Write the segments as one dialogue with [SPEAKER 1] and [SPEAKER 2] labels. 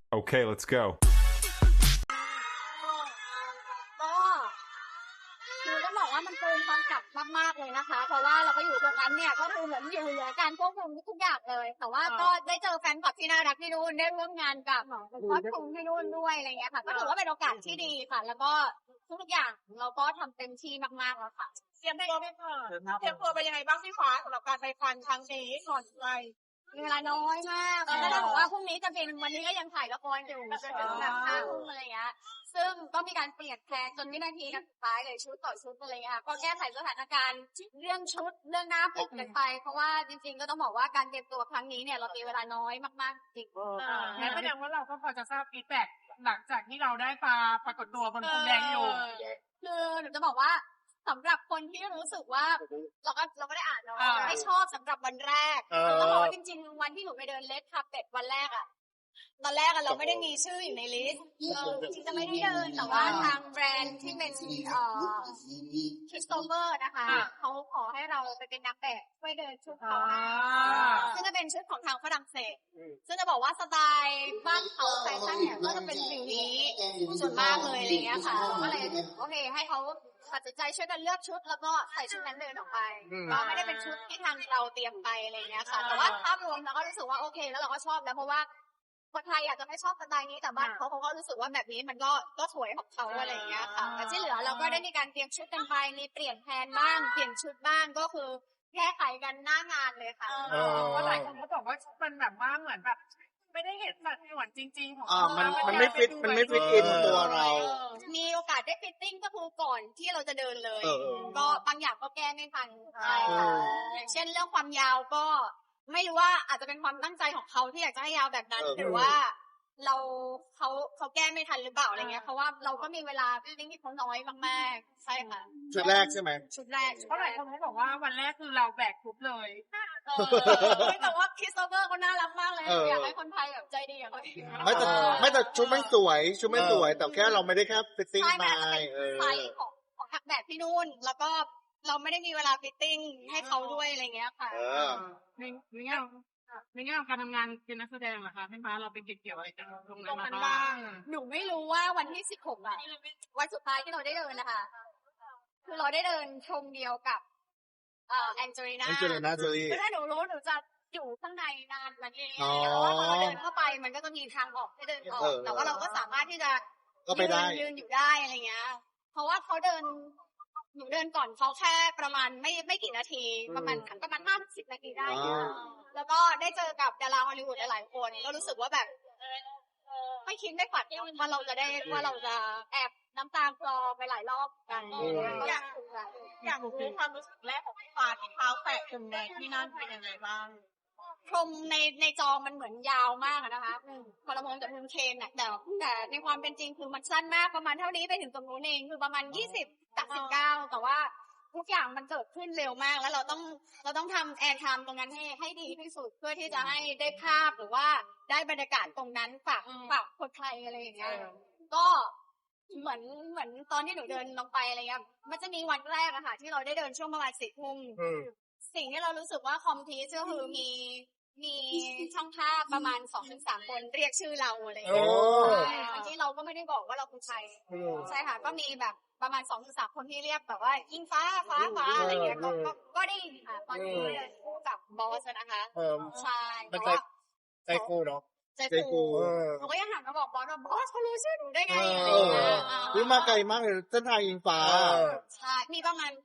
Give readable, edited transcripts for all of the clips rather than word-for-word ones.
[SPEAKER 1] Okay, let's go.
[SPEAKER 2] ก็คือต้องบอกว่ามันเกินความกลับมากๆเลยนะคะเพราะว่าเราก็อยู่ตรงนั้นเนี่ยก็คือเหมือนอยู่เหนือการควบคุมทุกอย่างเลยแต่ว่าก็ได้เจอแฟนคลับที่น่ารักที่นู่นได้ร่วมงานกับครอบครัวที่นู่นด้วยอะไรเงี้ยค่ะก็ถือว่าเป็นโอกาสที่ดีค่ะแล้วก็ทุกอย่างเราก็ทำเต็มที่มากๆแล้วค่ะ
[SPEAKER 3] เตรียมตัวไปก่อนเตรียมตัวไปยังไงบ้างพี่ฟ้าสำหรับการไปฟันครั้งนี้ก่อนไป
[SPEAKER 2] มีเวลาน้อยมากก็ได้บอกว่าพรุ่งนี้จะเป็นวันนี้ก็ยังถ่ายละครอยู่จนถึงแบบ5 ทุ่มอะไรเงี้ยซึ่งก็มีการเปลี่ยนแพลนจนวินาทีสุดท้ายเลยชุดต่อชุดอะไรเงี้ยก็แก้ไขสถานการณ์เรื่องชุดเรื่องหน้าผมกันไปเพราะว่าจริงๆก็ต้องบอกว่าการเตรียมตัวครั้งนี้เนี่ยเรามีเวลาน้อยมากๆจริง
[SPEAKER 3] งั้นแสดงว่าเราก็พอจะทราบฟีดแบ็กหลังจากที่เราได้ปรากฏตัวบนพรมแดงอยู่
[SPEAKER 2] คือหนูจะบอกว่าสำหรับคนที่รู้สึกว่าเราก็ได้อ่านเนาะไม่ชอบสำหรับวันแรกต้องบอกว่าจริงๆวันที่หนูไปเดินเลดคาร์เปตวันแรกอะตอนแรกเราไม่ได้มีชื่ออยู่ในลิสต์จริงๆจะไม่ได้เดินแต่ว่าทางแบรนด์ที่เป็นคริสโตเฟอร์นะคะเขาขอให้เราไปเป็นนักแบบช่วยเดินชุดเขาซึ่งจะเป็นชุดของทางฝรั่งเศสซึ่งจะบอกว่าสไตล์บ้านเขาแฟชั่นเนี่ยก็จะเป็นสิ่งนี้ส่วนมากเลยอะไรเงี้ยค่ะก็เลยโอเคให้เขาตัดสินใจช่วยกันเลือกชุดแล้วก็ใส่ชุดนั้นเดินออกไปก็ไม่ได้เป็นชุดที่ทางเราเตรียมไปอะไรเงี้ยค่ะแต่ว่าภาพรวมเราก็รู้สึกว่าโอเคแล้วเราก็ชอบแล้วเพราะว่าคนไทยอาจจะไม่ชอบสไตล์นี้แต่บ้านเขาก็รู้สึกว่าแบบนี้มันก็สวยของเขาอะไรอย่างเงี้ยค่ะแต่ที่เหลือเราก็ได้มีการเตรียมชุดกันไปมีเปลี่ยนแผนบ้างเปลี่ยนชุดบ้างก็คือแก้ไขกันหน้างานเลยค่ะ
[SPEAKER 3] เพราะหลายคนเขาบอกว่ามันแบบว่าเหมือนแบบไม่ได้เห็นสัดส่วนจริงๆของ
[SPEAKER 4] มันไม่ฟิตอินตัวเรา
[SPEAKER 2] มีโอกาสได้ฟิตติ้งก็คือก่อนที่เราจะเดินเลยก็บางอย่างก็แก้ไม่ทันใช่ค่ะอย่างเช่นเรื่องความยาวก็ไม่รู้ว่าอาจจะเป็นความตั้งใจของเขาที่อยากจะให้ยาวแบบนั้นหรือว่าเขาแก้ไม่ทันหรือเปล่าอะไรเงี้ยเพราะว่าเราก็มีเวลาฟิตติ้งที่เขาน้อยมากๆใช่ค่ะ
[SPEAKER 4] ชุดแรกใช่ไหม
[SPEAKER 2] ชุดแรก
[SPEAKER 3] เพราะหลายคนเขาบอกว่าวันแรกคือเราแบกทุบเลย
[SPEAKER 2] แต่ว่าคริสโตเฟอร์เขาน่ารักมากเลยอยากให้คนไทยแบบใจดีอย่างเขา
[SPEAKER 4] ไม่แต่ชุดไม่สวยแต่แค่เราไม่ได้แค่ฟิตติ้งมา
[SPEAKER 2] ไซส์ของทักแบบที่นู่นแล้วก็เราไม่ได้มีเวลาฟิตติ้งให้เขาด้วยอะไรเงี้ยค่ะ
[SPEAKER 3] ในแง่ของการทำงานเป็นนักแสดงเหรอคะพี่ฟ้าเราเป็นเกี่ยวอะไรตรงนั้นมาบ้าง
[SPEAKER 2] หนูไม่รู้ว่าวันที่16อะวันสุดท้ายที่เราได้เดินนะคะคือเราได้เดินชมเดียวกับแองเจลิน่า
[SPEAKER 4] โจลี่
[SPEAKER 2] คือถ้าหนูรู้หนูจะอยู่ข้างในนานมันเองเพราะว่าพอเราเดินเข้าไปมันก็จะมีทางออกให้เดินออกแต่ว่าเราก็สามารถที่จะยืนอยู่ได้อะไรเงี้ยเพราะว่าหนูเดินก่อนเขาแค่ประมาณไม่กี่นาทีประมาณ50 นาทีได้แล้วก็ได้เจอกับดาราฮอลลีวูดหลายๆคนก็รู้สึกว่าแบบไม่คิดไม่ฝันว่าเราจะแอบน้ำตาคลอไปหลายรอบกัน
[SPEAKER 3] อยากรู้ความรู้สึกแรกของพี่ฟ้าที่เท้าแตะพรมแดงที่นั่นเป็นยังไงบ้าง
[SPEAKER 2] พรมในจอมันเหมือนยาวมากนะคะพอเรามองจากมุมเคนน่ะแต่ในความเป็นจริงคือมันสั้นมากประมาณเท่านี้ไปถึงตรงนู้นเองคือประมาณ20 จาก 19แต่ว่าทุกอย่างมันเกิดขึ้นเร็วมากแล้วเราต้องทำแอร์ไทม์ตรงนั้นให้ดีที่สุดเพื่อที่จะให้ได้ภาพหรือว่าได้บรรยากาศตรงนั้นฝากคนไทยอะไรอย่างเงี้ยก็เหมือนตอนที่หนูเดินลงไปอะไรเงี้ยมันจะมีวันแรกอะค่ะที่เราได้เดินช่วงประมาณ4 ทุ่มสิ่งที่เรารู้สึกว่าคอมพลีทก็คือมีช่างภาพประมาณ 2-3 คนเรียกชื่อเราอะไรอย่างเงี้ยบางทีเราก็ไม่ได้บอกว่าเราคือใครใช่ค่ะก็มีแบบประมาณ 2-3 คนที่เรียกแบบว่ายิงฟ้าอะไรอย่างเงี้ยก็ได้ค่ะตอนนี้คู่กับบอสนะคะใช่
[SPEAKER 4] แต่ว่าใจฟูเนาะ
[SPEAKER 2] ใจฟูเขาก็ยังหันมาบอกบอสว่าบอสเขารู้ชื่อหนูได้ไง
[SPEAKER 4] วิ่งมาไกลมากเลยเส้นทางยิงฟ้า
[SPEAKER 2] ใช่มีประมาณ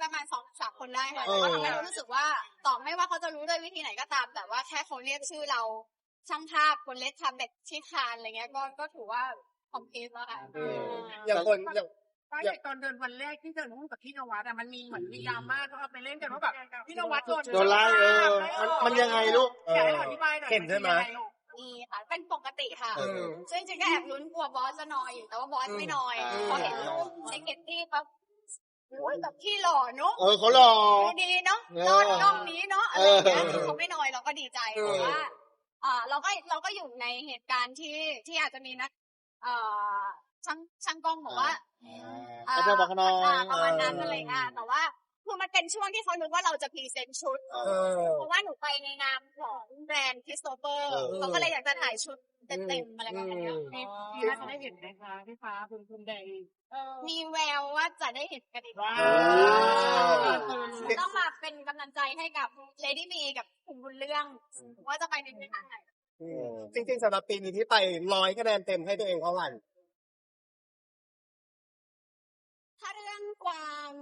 [SPEAKER 2] 2-3 คนได้ค่ะก็ทำให้รู้สึกว่าต่อไม่ว่าเขาจะรู้ด้วยวิธีไหนก็ตามแต่ว่าแค่เขาเรียกชื่อเราช่างภาพคนเล็กทำแบบที่คานอะไรเงี้ยก็ถือว่าคอมพลีทแล้วค่ะ
[SPEAKER 4] อย่าง
[SPEAKER 3] ตอนเดินวันแรกที่เดินร่วมกับพี่นวัดมันมีเหมือนมีดราม่าเขาเอาไปเล่นกันว่าแบบพี่นวัดโด
[SPEAKER 4] นไล่มันยังไงลูก
[SPEAKER 3] อยากให้อธิบายหน่อย
[SPEAKER 4] เห็นใช่ไหม
[SPEAKER 2] นี่ค่ะเป็นปกติค่ะซึ่งจริงๆก็แอบลุ้นกลัวบอสจะนอยอยู่แต่ว่าบอสไม่นอยพอเห็นรูปเช็คเก็ตตี้เขาแบบที่หล่อเนาะ
[SPEAKER 4] เขาหล่อ
[SPEAKER 2] ดีเนาะน้องนี้เนาะอะไรอย่างเงี้ยเขาไม่นอยเราก็ดีใจเพราะว่าเราก็อยู่ในเหตุการณ์ที่อาจจะมีนักช่างกล้องบอกว่า
[SPEAKER 4] อาจารย์บอกน้อย
[SPEAKER 2] ประมาณนั้นอะไรเงี้ยแต่ว่าคือมันเป็นช่วงที่เขานึกว่าเราจะพรีเซนต์ชุดเพราะว่าหนูไปในนามของแบรนด์คริสโตเฟอร์เขาก็เลยอยากจะถ่ายชุดเต็มๆอะไรประมาณเนี้ย
[SPEAKER 3] มีน่าจะได้เห็นไหมคะพี่ฟ้าภูมิแดง
[SPEAKER 2] มีแววว่าจะได้เห็นกันอีก
[SPEAKER 3] ว้า
[SPEAKER 2] ต้องมาเป็นกำลังใจให้กับ Lady B กับคุณบุญเรื่องว่าจะไปในทิศทางไหน
[SPEAKER 1] จริงๆสำหรับปีนี้ที่ไป100 คะแนนเต็มให้ตัวเองเท่าไหร่
[SPEAKER 2] ถ้าเรื่องความ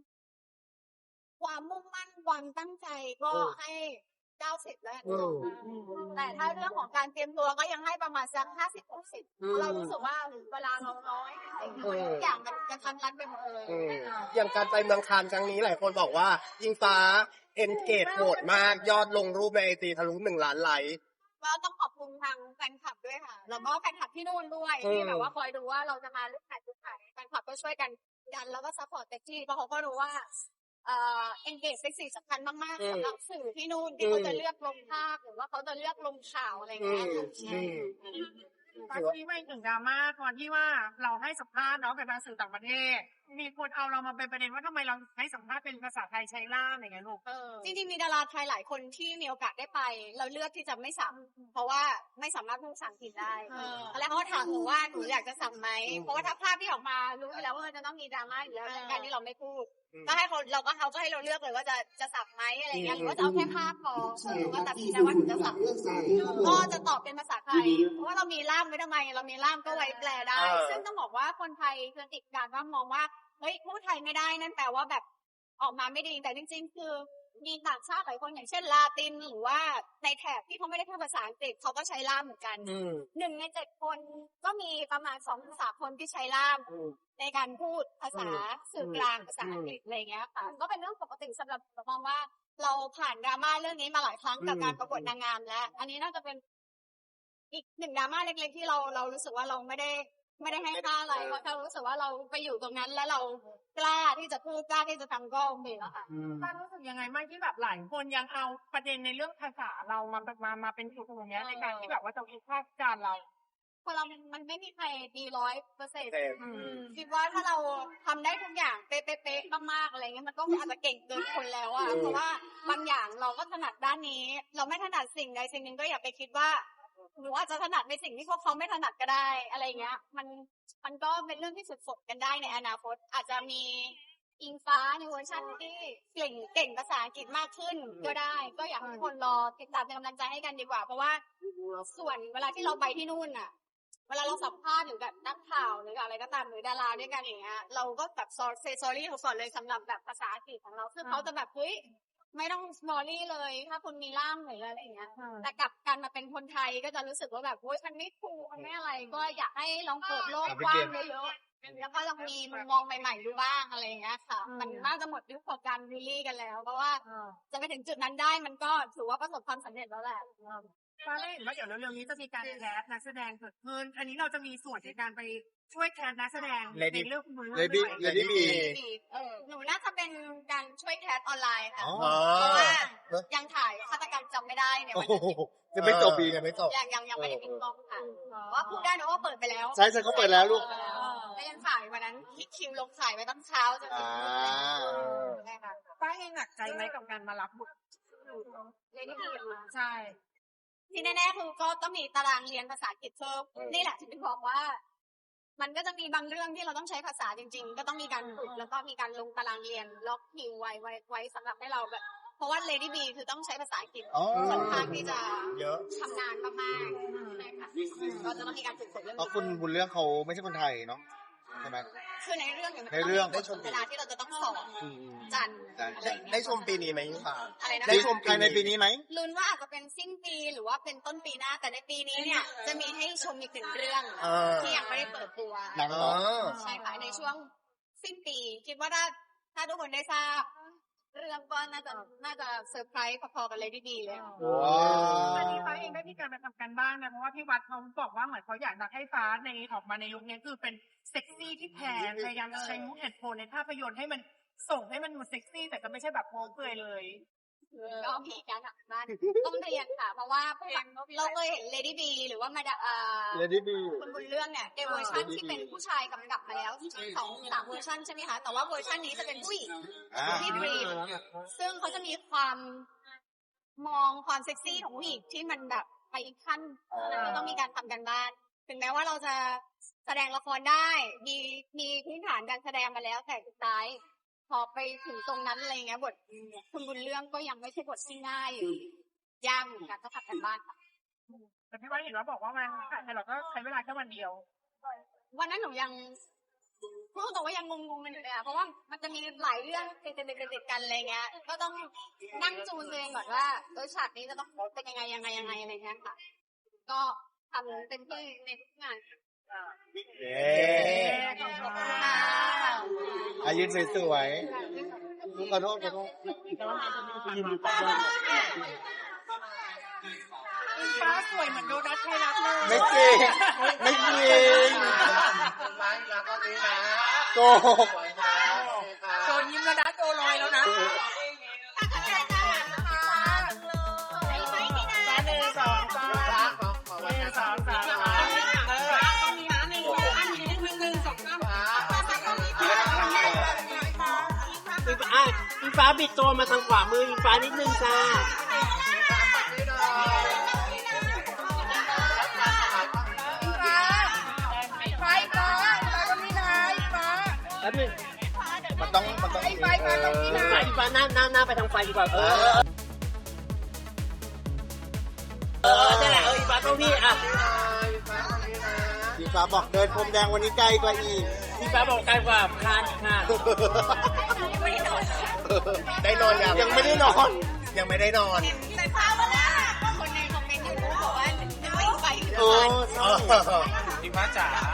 [SPEAKER 2] มุ่งมั่นความตั้งใจก็ให้90แล้วกันแต่ถ้าเรื่องของการเตรียมตัวก็ยังให้ประมาณสัก50-60เรารู้สึกว่าเวลาเราน้อยทุกอย่างมันกระทันรัดไปหมดเลย
[SPEAKER 1] อย่างการไปเมืองคานครั้งนี้หลายคนบอกว่ายิงฟ้าเอนเกจโหดมากยอดลงรูปในไอจีทะลุ1 ล้านไลค์
[SPEAKER 2] ก็ต้องขอบคุณทางแฟนคลับด้วยค่ะแล้วก็แฟนคลับที่นู่นด้วยที่แบบว่าคอยดูว่าเราจะมาลุกไหนแฟนคลับก็ช่วยกันดันแล้วก็ซัพพอร์ตเต็มที่เพราะเขาก็รู้ว่าengage เป็นสิ่งสำคัญมากๆสำหรับสื่อที่นู่นที่เขาจะเลือกลงภาพหรือว่าเขาจะเลือกลงข่าวอะไรอย่างเงี้ย
[SPEAKER 3] ตอนนี้ไม่ถึงดราม่าตอนที่ว่าเราให้สัมภาษณ์เนาะเป็นสื่อต่างประเทศมีคนเอาเรามาเป็นประเด็นว่าทำไมเราให้สัมภาษณ์เป็นภาษาไทยใช้ล่ามอะไรเงี้ยลูก
[SPEAKER 2] จริงๆมีดาราไทยหลายคนที่มีโอกาสได้ไปเราเลือกที่จะไม่สัมเพราะว่าไม่สามารถพูดภาษาอังกฤษได้แล้วเขาก็ถามหนูว่าหนูอยากจะสัมไหมเพราะว่าถ้าภาพที่ออกมารู้อยู่แล้วว่าจะต้องมีดราม่าอยู่แล้วในการที่เราไม่พูดก็ให้เขาก็ให้เราเลือกเลยว่าจะสับไหมอะไรเงี้ยหรือว่าจะเอาแค่ภาพพอหนูก็ตัดสินใจว่าหนูจะสับก็จะตอบเป็นภาษาไทยเพราะว่าเรามีล่ามไว้ทำไมเรามีล่ามก็ไว้แปลได้ซึ่งต้องบอกว่าคนไทยคือติดการว่ามองว่าเฮ้ยพูดไทยไม่ได้นั่นแปลว่าแบบออกมาไม่ดีแต่จริงๆคือมีต่างชาติหลายคนอย่างเช่นลาตินหรือว่าในแถบที่เขาไม่ได้พูดภาษาอังกฤษเขาก็ใช้ล่ามเหมือนกัน1 ใน 7 คนก็มีประมาณ2-3 คนที่ใช้ล่ามในการพูดภาษาสื่อกลางภาษาอังกฤษอะไรเงี้ยค่ะก็เป็นเรื่องปกติสำหรับมองว่าเราผ่านดราม่าเรื่องนี้มาหลายครั้งกับการประกวดนางงามแล้วอันนี้น่าจะเป็นอีก1 ดราม่าเล็กๆที่เรารู้สึกว่าเราไม่ได้ให้ค่าอะไรเพราะเรารู้สึกว่าเราไปอยู่ตรงนั้นแล้วเรากล้าที่จะพูดกล้าที่จะทำก็โอเคแล้วค่ะ
[SPEAKER 3] ป้ารู้สึกยังไงบ้างที่แบบหลายคนยังเอาประเด็นในเรื่องภาษาเรามาเป็นจุดตรงนี้ในการที่แบบว่าจะวิพากษ์วิจารณ์เรา
[SPEAKER 2] คนเรามันไม่มีใครดี100%คิดว่าถ้าเราทำได้ทุกอย่างเป๊ะๆมากๆอะไรเงี้ยมันก็อาจจะเก่งเกินคนแล้วอะเพราะว่าบางอย่างเราก็ถนัดด้านนี้ เราไม่ถนัดสิ่งใดสิ่งหนึ่งก็อย่าไปคิดว่าหนูอาจจะถนัดในสิ่งที่พวกเขาไม่ถนัดก็ได้อะไรเงี้ยมันก็เป็นเรื่องที่ฝึกกันได้ในอนาคตอาจจะมีอิงฟ้าในเวอร์ชันที่เก่งภาษาอังกฤษมากขึ้นก็ได้ก็อยากให้คนรอติดตามเป็นกำลังใจให้กันดีกว่าเพราะว่าส่วนเวลาที่เราไปที่นู่นอะเวลาเราสัมภาษณ์หรือแบบนักข่าวหรืออะไรก็ตามหรือดาราด้วยกันอย่างเงี้ยเราก็แบบsorry ก่อนเลยสำหรับแบบภาษาอังกฤษของเราซึ่งเขาจะแบบเฮ้ยไม่ต้อง sorry เลยถ้าคุณมีล่ามหรืออะไรอย่างเงี้ยแต่กลับกันมาเป็นคนไทยก็จะรู้สึกว่าแบบโอ๊ยมันไม่ถูกมันไม่อะไรก็อยากให้ลองเปิดโลกกว้างเยอะๆแล้วก็ลองมีมุมมองใหม่ๆดูบ้างอะไรอย่างเงี้ยค่ะมันน่าจะหมดยุคของการรีลี่กันแล้วเพราะว่าจะไปถึงจุดนั้นได้มันก็ถือว่าประสบความสำเร็จแล้วแหละ
[SPEAKER 3] ป้าได้เห็นว่าเดี๋ยวเร็วๆนี้จะมีการแคสนักแสดงเกิดขึ้นอันนี้เราจะมีส่วนในการไปช่วยแคสนักแสดงในเรื่องคุณ
[SPEAKER 4] Lady B
[SPEAKER 2] หนูน่าจะเป็นการช่วยแคสออนไลน์ค่ะ
[SPEAKER 4] อ๋อ
[SPEAKER 2] เพราะว่ายังถ่ายฆาตกรรมจำไม่ได้เนี่ย
[SPEAKER 4] โอ้โหจะไม่จบปีกันไม่จบ
[SPEAKER 2] ยังไม่ได้ปิดกล้องค่ะว่าพูดได้นะว่าเปิดไปแล้ว
[SPEAKER 4] ใช่เขาเปิดแล้วลูก
[SPEAKER 2] แล้วยังถ่ายวันนั้นคิวลงถ่ายไว้ตั้งเช้าจนถึงได้ค่ะ
[SPEAKER 3] ป้าเองหนักใจไหมกับการมารับบท
[SPEAKER 2] เลยที่ดีมา
[SPEAKER 3] ใช่
[SPEAKER 2] ที่แน่ๆคือก็ต้องมีตารางเรียนภาษาอังกฤษเพิ่มนี่แหละที่บอกว่า มันก็จะมีบางเรื่องที่เราต้องใช้ภาษาจริงๆก็ต้องมีการฝึกแล้วก็มีการลงตารางเรียนล็อกคิวไว้สำหรับให้เราแบบเพราะว่า Lady B คือต้องใช้ภาษาอังกฤษค่อนข้างที่จะชำนาญมากๆใช่ค่ะก็จะต้องมีการฝึกฝนเรื่อง
[SPEAKER 4] เพราะคุณบุญเรื่องเขาไม่ใช่คนไทยเนาะใช่ไหม
[SPEAKER 2] คือในเรื่องเนี่ยมัน
[SPEAKER 4] ในเรื่อง
[SPEAKER 2] ได้ชมเวลาที่เราจะต้องสอนจันทร์อะไรอย่างเงี้ย
[SPEAKER 1] ได้ชมปีนี้ไหมคะ
[SPEAKER 2] อะไรนะ
[SPEAKER 4] ได้ชมภายในปีนี้ไหม
[SPEAKER 2] ลุ้นว่าอาจจะเป็นสิ้นปีหรือว่าเป็นต้นปีหน้าแต่ในปีนี้เนี่ยจะมีให้ชมอีก1 เรื่องที่ยังไม่ได้เปิดตัว
[SPEAKER 4] หนังเหรอ
[SPEAKER 2] ใช่ค่ะในช่วงสิ้นปีคิดว่าถ้าทุกคนได้ทราบเรื่องก็น่าจะเซอร์ไพรส์พอๆกับ Lady B เลย
[SPEAKER 3] อันนี้ฟ้าเองได้มีการไปทำกันบ้างนะเพราะว่าพี่วัดเขาบอกว่าเหมือนเขาอยากจะให้ฟ้าในออกมาในลุคนี้คือเป็นเซ็กซี่ที่แพงพยายามจะใช้มุกเหตุผลในภาพยนตร์ให้มันส่งให้มันดูเซ็กซี่แต่ก็ไม่ใช่แบบโป๊เปลือยเลย
[SPEAKER 2] ก็มีการทำบ้านต้องเรียนค่ะเพราะว่าเราเคยเห็น Lady B หรือว่ามา
[SPEAKER 4] Lady B
[SPEAKER 2] คนบนเรื่องเนี่ยในเวอร์ชันที่เป็นผู้ชายกำกับมาแล้ว2-3 เวอร์ชันใช่ไหมคะแต่ว่าเวอร์ชันนี้จะเป็นผู้หญิงที่ดรีมซึ่งเขาจะมีความมองความเซ็กซี่ของผู้หญิงที่มันแบบไปอีกขั้นมันก็ต้องมีการทำกันบ้าน ถึงแม้ว่าเราจะแสดงละครได้ มีพื้นฐานการแสดงมาแล้วแต่สุดท้าย พอไปถึงตรงนั้นอะไรเงี้ยบทคุณบุญเรื่องก็ยังไม่ใช่บทที่ง่ายยากเหมือนกันต้องทำกันบ้านค่ะ
[SPEAKER 3] แต่พี่ว่าเห็นว่าบอกว่ามันถ่ายเราก็ใช้เวลาแค่วันเดียว
[SPEAKER 2] วันนั้นหนูยังพูดตรงว่ายังงงๆกันอยู่เลยอะเพราะว่ามันจะมีหลายเรื่องติดกันอะไรเงี้ย ก็ต้องนั่งจูนตัวเองก่อนว่าฉากนี้จะต้องเป็นยังไงอะไรเงี้ยค่ะ ก็ทำเต็มที่ในทุกงาน
[SPEAKER 4] เย้
[SPEAKER 2] ขอบคุณค่ะ
[SPEAKER 4] อายุสวยๆขอโทษ
[SPEAKER 3] ฟ้าสวยเหมือนโดนัทไทยรัฐเลย
[SPEAKER 4] ไม่จริงไม่จริง
[SPEAKER 1] ไม่รักก็นี้นะ
[SPEAKER 4] โกหก
[SPEAKER 3] โดนยิ้มแล้วนะโดนลอยแล้วนะ
[SPEAKER 5] อิงฟ้าบิดตัวมาทางขวามืออิงฟ้านิดนึงจ้าแล้วนึง
[SPEAKER 4] มันต้อง
[SPEAKER 5] อิงฟ้าหน้าไปทางไฟดีกว่าใช่แหละอิงฟ้าต้องพี่อ่ะ
[SPEAKER 4] พี่ฟ้าบอกเดินพรมแดงวันนี้ไกลกว่าอีก
[SPEAKER 5] อิงฟ้าบอกไกลกว่าคานค่ะ
[SPEAKER 1] ได้นอนยังไม่ได้นอน ยังไม่ได้นอน
[SPEAKER 2] แต่ฟ้าว่าคนในคอมเมนต์ยูทูบบอกว่านึกว่าอีกไปอยู่
[SPEAKER 4] โอ้
[SPEAKER 2] แล้ว
[SPEAKER 1] อิงฟ้าจ๋า